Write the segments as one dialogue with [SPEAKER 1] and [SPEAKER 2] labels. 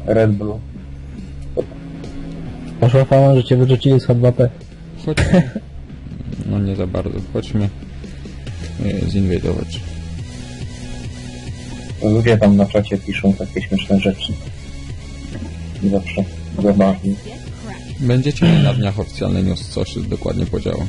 [SPEAKER 1] Red Blue.
[SPEAKER 2] Poszła fama, że cię wyrzucili z H2P.
[SPEAKER 3] Chodźmy. No nie za bardzo. Chodźmy zinwadować.
[SPEAKER 1] Ludzie tam na czacie piszą takie śmieszne rzeczy. I zawsze zabawnie.
[SPEAKER 3] Będziecie mieli na dniach oficjalny news, co się dokładnie podziało.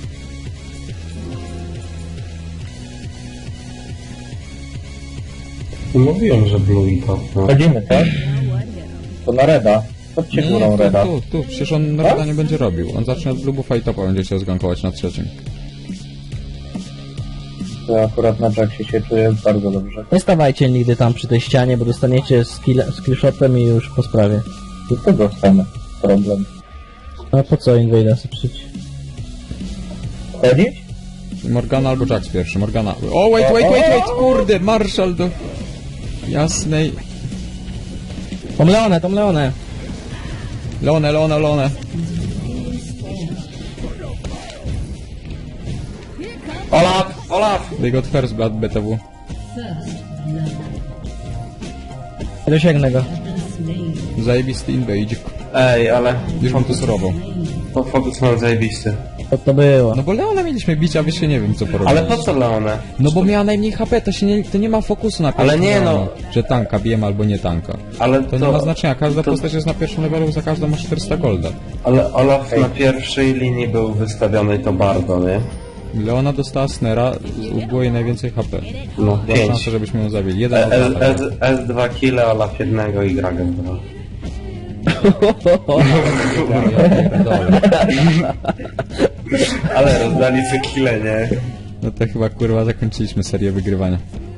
[SPEAKER 4] Mówiłem, że Blue i top, no.
[SPEAKER 1] Chodzimy, tak? To na Reda. Chodźcie górą Reda.
[SPEAKER 3] tu. Przecież on Reda nie będzie robił. On zacznie od Bluebufa i topa będzie się zgankować na trzecim.
[SPEAKER 1] To akurat na Jacksie się czuję bardzo dobrze.
[SPEAKER 2] Nie stawajcie nigdy tam przy tej ścianie, bo dostaniecie skillshotem i już po sprawie.
[SPEAKER 1] Do tego stanę. Problem.
[SPEAKER 2] A po co Invader sypszyć?
[SPEAKER 1] Chodzić?
[SPEAKER 3] Morgana albo Jax pierwszy. Morgana. O, wait! Kurde, Marshall do jasnej...
[SPEAKER 2] Tom Leone!
[SPEAKER 3] Leone. Olaf! They got first blood, BTW.
[SPEAKER 2] Nie dosięgnę go.
[SPEAKER 3] Zajebisty invade.
[SPEAKER 4] Ej, ale
[SPEAKER 3] Już bym to surował.
[SPEAKER 4] po fokus mam zajebisty.
[SPEAKER 2] Co to było?
[SPEAKER 3] No bo Leona mieliśmy bić, a wy się nie wiem co porobić.
[SPEAKER 4] Ale po co Leone?
[SPEAKER 3] No bo miała najmniej HP, to nie ma fokusu na
[SPEAKER 4] Ale
[SPEAKER 3] pierwszym
[SPEAKER 4] nie,
[SPEAKER 3] levelu,
[SPEAKER 4] no.
[SPEAKER 3] Że tanka bijemy albo nie tanka.
[SPEAKER 4] Ale
[SPEAKER 3] To nie ma znaczenia, każda postać jest na pierwszym levelu, za każdą ma 400 golda.
[SPEAKER 4] Ale Olaf na pierwszej linii był wystawiony i to bardzo, nie?
[SPEAKER 3] Leona dostała snera, było jej najwięcej HP.
[SPEAKER 4] No,
[SPEAKER 3] Była
[SPEAKER 4] 5.
[SPEAKER 3] szansa, żebyśmy ją zabili. Jeden od lata.
[SPEAKER 4] S2 kile, Olaf jednego i Gragan 2.
[SPEAKER 3] Ja pierdolę.
[SPEAKER 4] Ale rozdali co kile, nie?
[SPEAKER 3] No to chyba kurwa zakończyliśmy serię wygrywania.